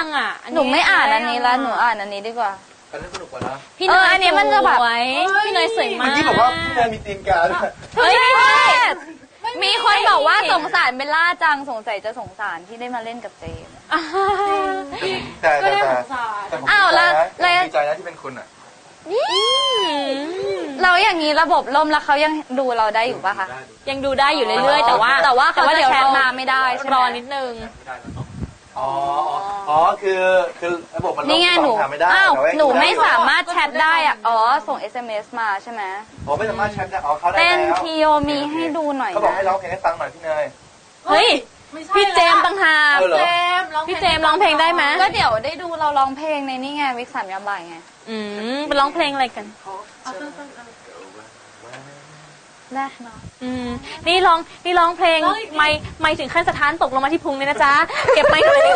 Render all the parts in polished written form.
ยังอ่ะหนูไม่อ่านอันนี้แล้วหนูอ่านอันนี้ดีกว่าอันนี้สนุกกว่านะพี่เนยอันนี้มันจะแบบพี่เนยสวยมากเมื่อกี้บอกว่าพี่เนยมีตีนกาด้วยเฮ้ยมีคนบอกว่าสงสารเบลล่าจังสงสัยจะสงสารที่ได้มาเล่นกับเจมแต่อ้าวแล้วดีใจนะที่เป็นคุณอ่ะเราอย่างนี้ระบบล่มแล้วเขายังดูเราได้อยู่ป่ะคะยังดูได้อยู่เรื่อยๆแต่ว่าเขาจะแชทมาไม่ได้รอนิดนึงอ๋อคือระบบมันนี่ไงหนูไม่ได้หนูไม่สามารถแชทได้อ่ะอ๋อส่ง SMS มาใช่ไหมอ๋อไม่สามารถแชทได้อ๋อเขาได้แล้วเต้นทีโอมีให้ดูหน่อยเขาบอกให้ร้องเพลงให้ฟังหน่อยพี่เนยเฮ้ยพี่เจมต่างหากพี่เจมร้องเพลงได้ไหมก็เดี๋ยวได้ดูเราร้องเพลงในนี่ไงวิก3 ยามบ่ายไงไปร้องเพลงอะไรกันได้เนาะนี่ร้องเพลงไม่ถึงขั้นสถานตกลงมาที่พุงเลยนะจ๊ะเก็บไมค์เลย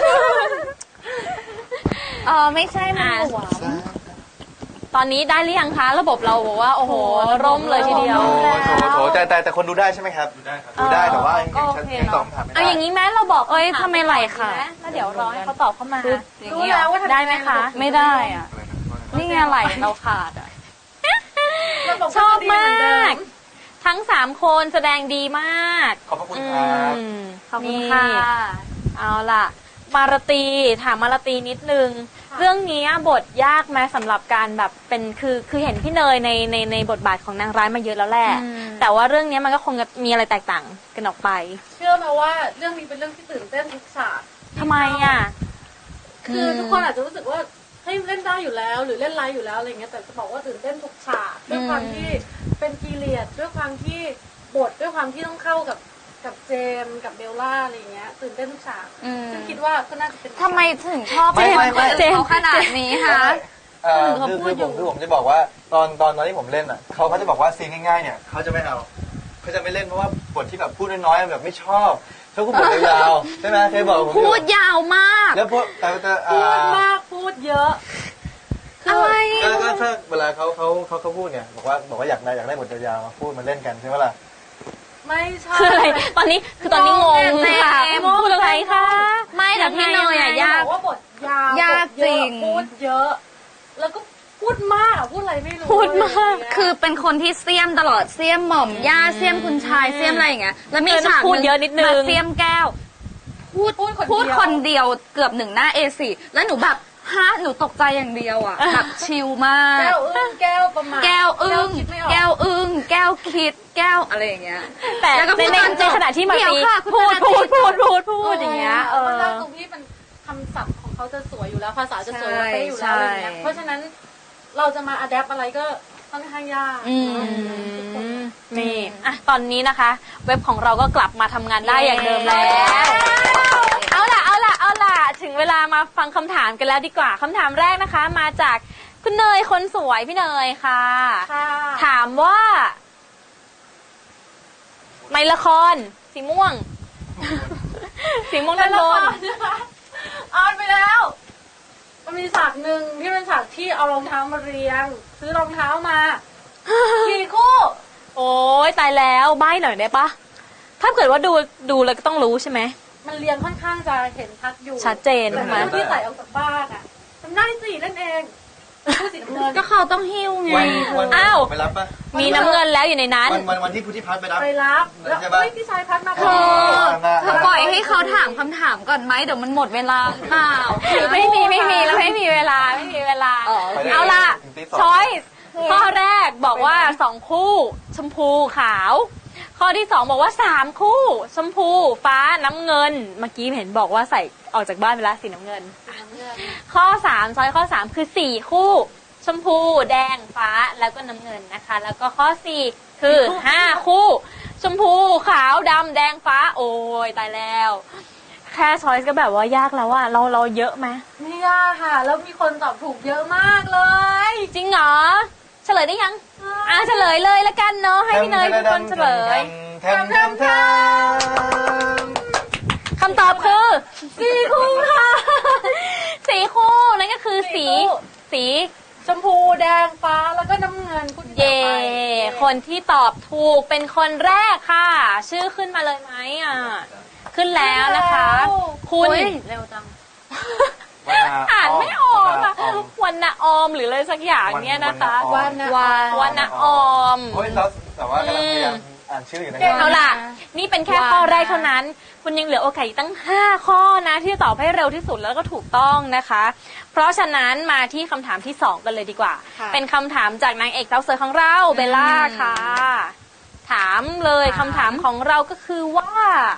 ไม่ใช่มาหัวตอนนี้ได้หรือยังคะระบบเราบอกว่าโอ้โหร่มเลยทีเดียวโถแต่คนดูได้ใช่ไหมครับดูได้แต่ว่ายังตอบคำถามไม่ได้เอาอย่างนี้แม้เราบอกทำไมไหลค่ะแล้วเดี๋ยวรอให้เขาตอบเข้ามารู้แล้วว่าได้ไหมคะไม่ได้อ่ะนี่ไงไหลเราขาดอ่ะชอบมากทั้ง3คนแสดงดีมากขอบคุณครับขอบคุณค่ะเอาล่ะมาราตีถามมาราตีนิดนึงเรื่องนี้บทยากไหมสำหรับการแบบเป็นคือเห็นพี่เนยในบทบาทของนางร้ายมาเยอะแล้วแหละแต่ว่าเรื่องนี้มันก็คงจะมีอะไรแตกต่างกันออกไปเชื่อไหมว่าเรื่องนี้เป็นเรื่องที่ตื่นเต้นทุกฉากทำไมอ่ะคือทุกคนอาจจะรู้สึกว่าให้เล่นได้อยู่แล้วหรือเล่นไลฟ์อยู่แล้วอะไรเงี้ยแต่จะบอกว่าตื่นเต้นทุกฉากด้วยความที่เป็นพีเรียดด้วยความที่บทด้วยความที่ต้องเข้ากับเจมกับเบลล่าอะไรเงี้ยตื่นเต้นทุกฉากซึ่งคิดว่าก็น่าจะเป็นทำไมถึงชอบเจมขนาดนี้คะคือผมจะบอกว่าตอนที่ผมเล่นอ่ะเขาจะบอกว่าซีนง่ายๆเนี่ยเขาจะไม่เอาเขาจะไม่เล่นเพราะว่าบทที่แบบพูดน้อยๆแบบไม่ชอบเขาก็บทยาวใช่ไหมเคยบอกผมพูดยาวมากแล้วพูดมากพูดเยอะอะไรก็ถ้าเวลาเขาพูดเนี่ยบอกว่าอยากได้บทยาวมาพูดมาเล่นกันใช่ไหมล่ะไม่ใช่คืออะไรตอนนี้งงค่ะพูดอะไรคะไม่แต่พี่เนยยากว่าบทยากจริงพูดเยอะแล้วก็พูดมากพูดอะไรไม่รู้พูดมากคือเป็นคนที่เสี้ยมตลอดเสี้ยมหม่อมย่าเสี้ยมคุณชายเสี้ยมอะไรอย่างเงี้ยแล้วมีฉากพูดเยอะนิดนึงเสี้ยมแก้วพูดคนเดียวเกือบ1 หน้า A4 แล้วหนูแบบหนูตกใจอย่างเดียวอ่ะแบบชิลมากแก้วอึ้งแก้วประมาณแก้วอึ้งแก้วคิดแก้วอะไรอย่างเงี้ยแต่ในขณะที่มาตีพูดอย่างเงี้ยมันตรงที่เป็นคำศัพท์ของเขาจะสวยอยู่แล้วภาษาจะสวยไปอยู่แล้วอะไรเงี้ยเพราะฉะนั้นเราจะมาอัดแอปอะไรก็ค่อนข้างยากนี่ตอนนี้นะคะเว็บของเราก็กลับมาทำงานได้อย่างเดิมแล้วเอาล่ะถึงเวลามาฟังคำถามกันแล้วดีกว่าคำถามแรกนะคะมาจากคุณเนยคนสวยพี่เนยค่ะถามว่าในละครสีม่วงด้านบนอ่านไปแล้วมันมีฉากหนึ่งที่เป็นฉากที่เอารองเท้ามาเรียงซื้อรองเท้ามากี่คู่โอ้ยตายแล้วใบ้หน่อยได้ปะถ้าเกิดว่าดูแล้วก็ต้องรู้ใช่ไหมมันเรียงค่อนข้างจะเห็นชัดอยู่ชัดเจนใช่ไหมที่ใส่ออกจากบ้านอ่ะทำได้สินั่นเองสีน้ำเงินก็เขาต้องหิ้วไงอ้าวไปรับปะมีน้ำเงินแล้วอยู่ในนั้นวันที่พุทธิพัฒน์ไปรับแล้วพี่ชายพัฒน์มาเธอปล่อยให้เขาถามคำถามก่อนไหมเดี๋ยวมันหมดเวลาเปล่าไม่มีแล้วไม่มีเวลาเอาล่ะช้อยข้อแรกบอกว่า2 คู่ชมพูขาวข้อที่2บอกว่า3 คู่ชมพูฟ้าน้ำเงินเมื่อกี้เห็นบอกว่าใส่ออกจากบ้านไปแล้วสีน้ำเงินข้อ3ช้อยข้อ3คือ4 คู่ชมพูแดงฟ้าแล้วก็น้ำเงินนะคะแล้วก็ข้อ4คือ5 คู่ชมพูขาวดำแดงฟ้าโอ้ยตายแล้วแค่ช้อยก็แบบว่ายากแล้วอะเราเยอะไหมไม่ยากค่ะแล้วมีคนตอบถูกเยอะมากเลยจริงเหรอเฉลยได้ยังเฉลยเลยละกันเนาะให้พี่เนยเป็นคนเฉลยคำตอบคือ4 คู่ค่ะ4 คู่นั่นก็คือสีชมพูแดงฟ้าแล้วก็น้ำเงินคุณเย่คนที่ตอบถูกเป็นคนแรกค่ะชื่อขึ้นมาเลยไหมขึ้นแล้วนะคะคุณเร็วจังณออมหรืออะไรสักอย่างเนี้ยนะคะวรรณออมวรรณออมโอ้ยแล้วแต่ว่ากำลังพยายามอ่านชื่ออยู่นะเอาล่ะ นี่เป็นแค่ข้อแรกเท่านั้น คุณยังเหลือโอกาสอีกตั้ง 5 ข้อนะที่จะตอบให้เร็วที่สุดแล้วก็ถูกต้องนะคะ เพราะฉะนั้นมาที่คำถามที่ 2 กันเลยดีกว่าค่ะเป็นคำถามจากนางเอกสาวสวยของเราเบลล่าค่ะ ถามเลยคำถามของเราก็คือว่า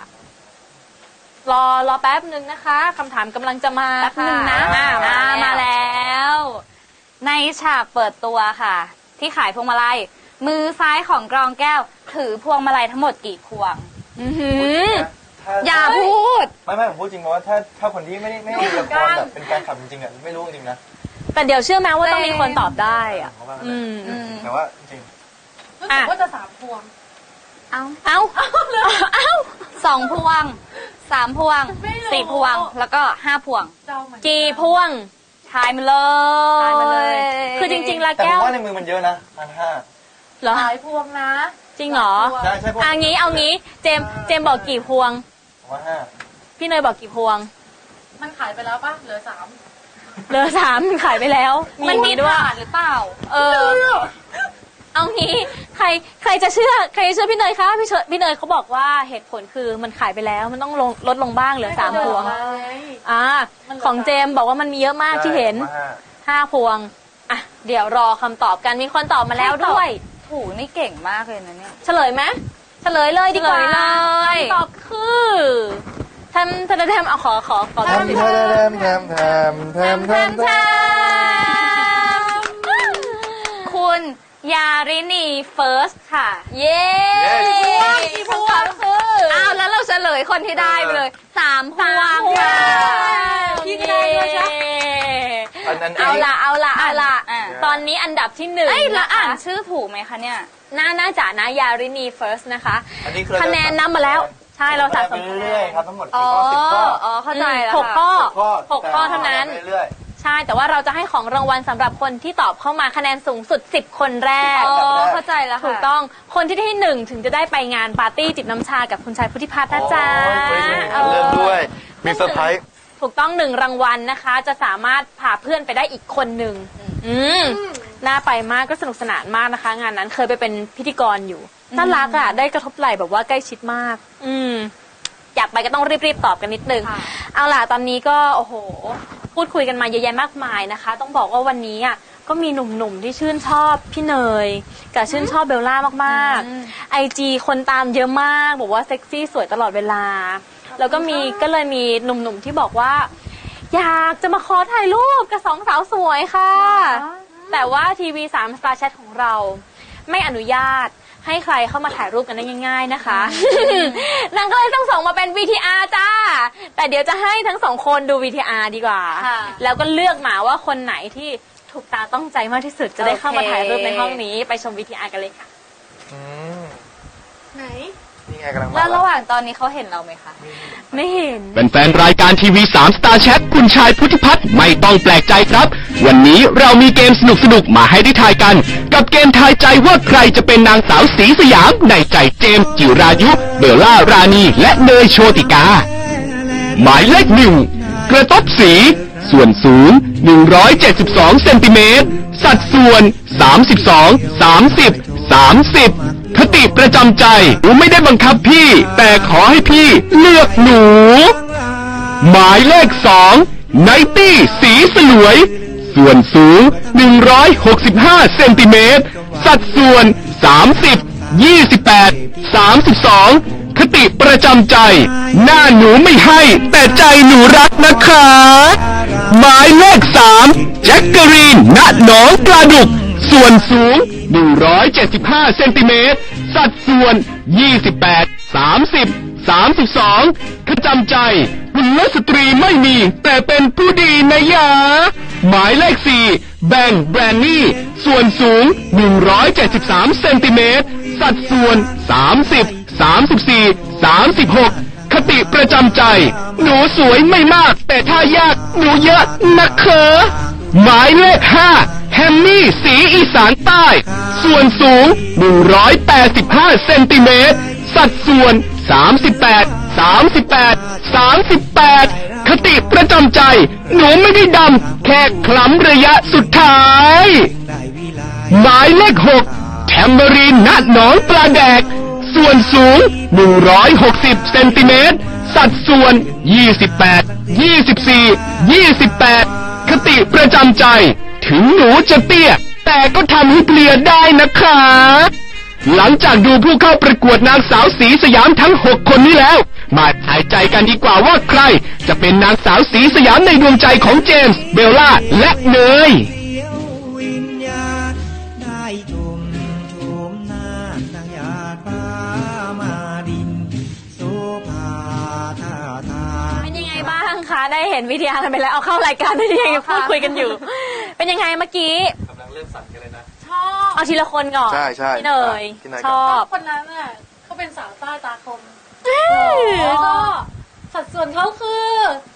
รอแป๊บหนึ่งนะคะคำถามกำลังจะมาแป๊บนึงนะมาแล้วในฉากเปิดตัวค่ะ ที่ขายพวงมาลัยมือซ้ายของกรองแก้ว ถือพวงมาลัยทั้งหมดกี่พวงอื้อหืออย่าพูดไม่ผมพูดจริงเพราะว่าถ้าคนที่ไม่ได้ละครแบบเป็นการขับจริงๆอ่ะไม่รู้จริงๆนะแต่เดี๋ยวเชื่อไหมว่าต้องมีคนตอบได้อะเพราะว่าอืมแต่ว่าจริงรู้สึกว่าจะ3 พวงเอาเอ้า 2 พวง 3 พวงไม่รู้ 4 พวง แล้วก็ 5 พวงเจ้าเหมือนนกี่พวงทายมาเลยทายมาเลย คือจริงๆแล้วแต่ผแก้มวว่าในมือมันเยอะนะ1,500 เหรอหลายพวงนะจริงเหรอหลายพวงใช่ใช่พวกเอางี้เจมบอกกี่พวงผมว่า5 พี่เนยบอกกี่พวงมันขายไปแล้วป่ะเหลือเหลือ3ขายไปแล้วมันมีด้วยขาดหรือเปล่าเอางี้ใครจะเชื่อพี่เนยคะพี่เนยเขาบอกว่าเหตุผลคือมันขายไปแล้วมันต้องลดลงบ้างเหลือ3 พวง ของเจมบอกว่ามันมีเยอะมากที่เห็น 5 พวงอ่ะเดี๋ยวรอคำตอบกันมีคนตอบมาแล้วด้วยถูนี่เก่งมากเลยนะเนี่ยเฉลยไหมเฉลยเลยดีกว่าเฉลยเลยคำตอบคือทำเอาขอแทมแทมแทมแทมแทมแทมแทมคุณยารินีเฟิร์สค่ะเย้กี่คำตอบคืออ้าวแล้วเราเฉลยคนที่ได้ไปเลย 3 พวงค่ะพี่ก็ได้ด้วยใช่เอาละอ่ะตอนนี้อันดับที่1 เอ้ยแล้วอ่านชื่อถูกไหมคะเนี่ยน่าจะนะยารินีเฟิร์สนะคะอันนี้คือคะแนนนำมาแล้ว ใช่เราสะสมไปเรื่อยๆครับทั้งหมดอ๋กี่อข้อ10 ข้ออ๋อ เข้าใจแล้ว 6 ข้อ 6 6 ข้อเท่านั้นไปเรื่อยใช่แต่ว่าเราจะให้ของรางวัลสำหรับคนที่ตอบเข้ามาคะแนนสูงสุด10 คนแรกอ๋อ เข้าใจแล้วค่ะถูกต้องคนที่ได้ที่ 1 ถึงจะได้ไปงานปาร์ตี้จิบน้ำชากับคุณชายพุทธิพัฒน์นะจ๊ะโอ้ยเริ่มด้วยมีเซอร์ไพรส์ถูกต้อง1 รางวัลนะคะ จะสามารถพาเพื่อนไปได้อีกคนหนึ่งน่าไปมากก็สนุกสนานมากนะคะ งานนั้นเคยไปเป็นพิธีกรอยู่น่ารักอ่ะได้กระทบไหล่แบบว่าใกล้ชิดมาก อยากไปก็ต้องรีบตอบกันนิดนึง เอาล่ะตอนนี้ก็โอ้โหพูดคุยกันมาเยอะแยะมากมายนะคะ ต้องบอกว่าวันนี้อ่ะก็มีหนุ่มๆที่ชื่นชอบพี่เนยกับชื่นชอบเบลล่ามากๆ IG คนตามเยอะมากบอกว่าเซ็กซี่สวยตลอดเวลา แล้วก็เลยมีหนุ่มๆที่บอกว่า อยากจะมาขอถ่ายรูปกับ2 สาวสวยค่ะ แต่ว่าทีวี3 Star Chat ของเราไม่อนุญาตให้ใครเข้ามาถ่ายรูปกันได้ง่ายๆนะคะ นางก็เลยต้องส่งมาเป็น VTR จ้า แต่เดี๋ยวจะให้ทั้ง2 คนดู VTR ดีกว่า แล้วก็เลือกมาว่าคนไหนที่ถูกตาต้องใจมากที่สุดจะได้เข้ามาถ่ายรูปในห้องนี้ไปชม VTR กันเลยค่ะไหนนี่ไงกำลังมาแล้วระหว่างตอนนี้เขาเห็นเราไหมคะไม่เห็นเป็นแฟนรายการทีวี3 Star Chat คุณชายพุทธิพัฒน์ไม่ต้องแปลกใจครับ วันนี้เรามีเกมสนุกๆมาให้ได้ทายกัน กับเกมทายใจว่าใครจะเป็นนางสาวสีสยามในใจเจมส์จิรายุ เบลล่ารานี และเนยโชติกา หมายเลข1กระต๊อบสี ส่วนสูง 172 เซนติเมตร สัดส่วน 32 30 30 คติประจำใจหนูไม่ได้บังคับพี่ แต่ขอให้พี่เลือกหนู หมายเลข2ไนตี้สีสลวย ส่วนสูง 165 เซนติเมตร สัดส่วน 30 28 32 คติประจำใจ หน้าหนูไม่ให้แต่ใจหนูรักนะคะ หมายเลข3แจ็คเกอรีนณหนองปลาดุก ส่วนสูง 175 เซนติเมตร สัดส่วน 28 30 32 ประจำใจคุณลสตรีไม่มี แต่เป็นผู้ดีนะยา หมายเลข4แบงแบรนนี่ ส่วนสูง 173 เซนติเมตร สัดส่วน 30 34 36 คติประจำใจ หนูสวยไม่มาก แต่ถ้ายากหนูเยอะนะคะหมายเลข5แฮมมี่สีอีสานใต้ ส่วนสูง 185 เซนติเมตร สัดส่วน 38 38 38 คติประจำใจ หนูไม่ได้ดำแค่คล้ำระยะสุดท้าย หมายเลข 6 แทมเบอรีนณหนองปลาแดก ส่วนสูง 160 เซนติเมตร สัดส่วน 28 24 28 คติประจำใจ ถึงหนูจะเตี้ย แต่ก็ทำให้เพลียได้นะคะ หลังจากดูผู้เข้าประกวดนางสาวสีสยามทั้ง 6 คนนี้แล้ว มาทายใจกันดีกว่าว่าใคร จะเป็นนางสาวสีสยามในดวงใจของเจมส์เบลล่าและเนยเป็นยังไงบ้างคะได้เห็นวิทยากันไปแล้วเอาเข้ารายการที่ยังพูดคุยกันอยู่ เป็นยังไงเมื่อกี้กำลังเริ่มสั่นกันเลยนะชอบเอาทีละคนก่อนใช่ใช่พี่เนยพี่เนยก่อนชอบคนนั้นน่ะเขาเป็นสาวใต้ตาคมแล้วก็สัดส่วนเขาคือ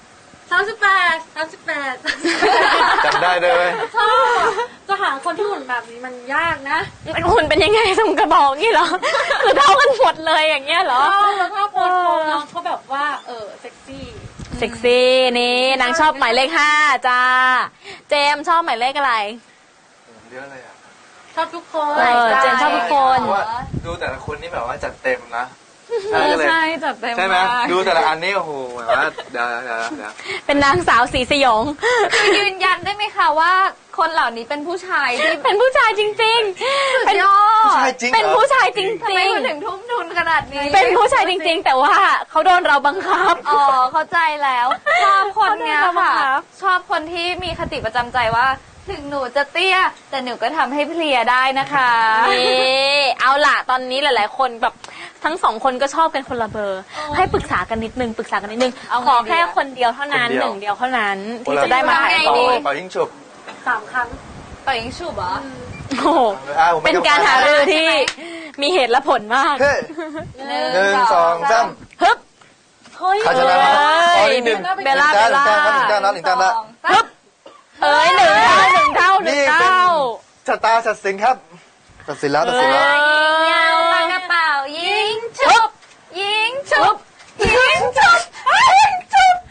38 จำได้ด้วยชอบจะหาคนที่หุ่นแบบนี้มันยากนะเป็นหุ่นเป็นยังไงทรงกระบอกนี่เหรอคือเท่ากันหมดเลยอย่างเงี้ยเหรอแล้วถ้าโพสต์ของน้องเขาแบบว่าเซ็กซี่เซ็กซี่นี่นางชอบหมายเลข 5จ้าเจมส์ชอบหมายเลขอะไรเยอะเลยอ่ะชอบทุกคนเจมส์ชอบทุกคนเพราะว่าดูแต่ละคนนี่แบบว่าจัดเต็มนะใช่จัดเต็มใช่ไหมมากดูแต่ละอันนี่โอ้โหแบบว่าเดี๋ยวเป็นนางสาวสีสยองยืนยันได้ไหมคะว่าคนเหล่านี้เป็นผู้ชายที่เป็นผู้ชายจริงๆ เป็นผู้ชายจริงเหรอเป็นผู้ชายจริงทำไมคุณถึงทุ่มทุนขนาดนี้ๆ เป็นผู้ชายจริง ๆ แต่ว่าเขาโดนเราบังคับอ๋อเข้าใจแล้ว ชอบคนเนี้ยเขาโดนเราบังค่ะคับชอบคนที่มีคติประจำใจว่า ถึงหนูจะเตี้ย แต่หนูก็ทำให้เพลียได้นะคะนี่เอาล่ะตอนนี้หลายๆ คนแบบทั้งสองคนก็ชอบกันคนละเบอร์ ให้ปรึกษากันนิดนึงขอแค่คนเดียวเท่านั้นหนึ่งเดียวเท่านั้นที่จะได้มาถ่ายต่อรูปต่อยิ่งฉุบ 3 ครั้งต่อยิงฉุบเหรอโอ้โหเป็นการหารือที่มีเหตุและผลมากเฮ้ย 1 2 3 ฮึบเฮ้ยใครชนะเอ้อ๋อย นี่หนึ่งเบลล่าหนึ่งแต้มหนึ่งแต้มหนึ่งแต้มแล้วฮึบเอ้ยหนึ่งเท่านี่เป็นชะตาตัดสินครับตัดสินแล้วยิงยาวปากกระเป๋ายิงฉุบยิงฉุบยิงฉุบยิงฉุบ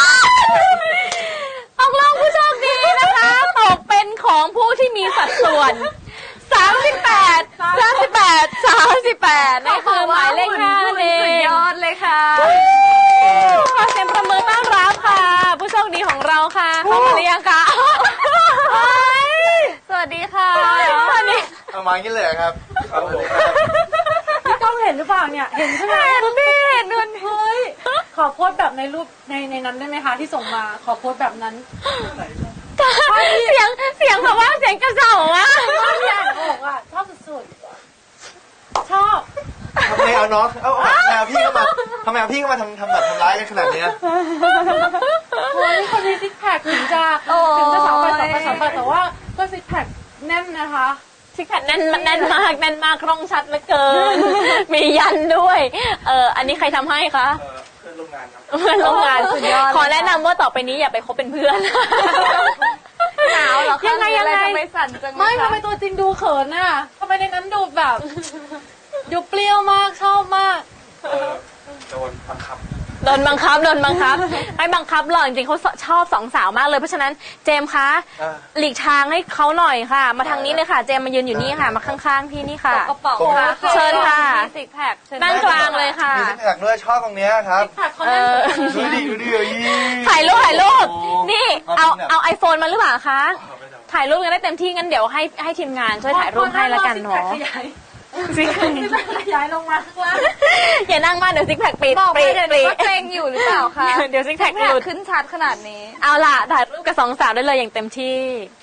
ตกลงผู้โชคดีนะคะตกเป็นของผู้ที่มีสัดส่วน 38นี่คือหมายเลข 5 เอสุดงยอดเลยค่ะขอเสียงประมือต้อนรับค่ะ ผู้โชคดีของเราค่ะเข้ามาหรือยังคะสวัสดีค่ะสวัสดีเอามาอย่างนี้เลยครับครับผมพี่ก้องเห็นหรือเปล่าเนี่ย เห็นใช่ไหมเห็นดิเห็นเฮ้ย ขอโพสต์แบบในรูปในนั้นได้ไหมคะที่ส่งมา ขอโพสต์แบบนั้นเสียงแบบว่าเสียงกระเสาอะพี่อ่านออกอ่ะ ชอบสุดๆ ชอบทำไมเอาน้องเอาแมวพี่เข้ามาทำไมเอาพี่เข้ามาทำแบบทำร้ายกันขนาดนี้โอ้ยคนมีซิกแพคถึงจะสองไปแต่ว่าก็ซิกแพคแน่นนะคะซิกแพคแน่นมากร่องชัดเหลือเกิน มียันด้วย อันนี้ใครทำให้คะเพื่อนร่วมงานครับเพื่อนร่วมงานสุดยอดขอแนะนำว่าต่อไปนี้อย่าไปคบเป็นเพื่อนหนาวเหรอคะยังไงทำไมสั่นจังเลยไม่คะทำไมตัวจริงดูเขินน่ะทำไมในนั้นดูแบบ ดูเปรี้ยวมากชอบมากโดนบังคับโดนบังคับไม่บังคับหรอกจริงๆเขาชอบสองสาวมากเลยเพราะฉะนั้นเจมส์คะอ่าหลีกทางให้เขาหน่อยค่ะ มาทางนี้เลยค่ะเจมส์มายืนอยู่นี่ค่ะมาข้างๆพี่นี่ค่ะกระเป๋าเชิญค่ะมีซิกแพคเชิญนั่งกลางเลยค่ะมีซิกแพคด้วยชอบตรงเนี้ยครับซิกแพคเขาแน่นสุดดูดิยี่ถ่ายรูปโอ้นี่เอาเอาไอโฟนมาหรือเปล่าคะถ่ายรูปกันได้เต็มที่งั้นเดี๋ยวให้ทีมงานช่วยถ่ายรูปให้ละกันเนาะซิกแพคขยายลงมาข้างล่างอย่านั่งมากเดี๋ยวซิกแพคปิดบอกไปปรีเดี๋ยวหนูก็เกรงอยู่หรือเปล่าคะเดี๋ยวซิกแพคแพหคลุดขึ้นชัดขนาดนี้เอาล่ะถ่ายรูปกับสองสาวได้เลยอย่างเต็มที่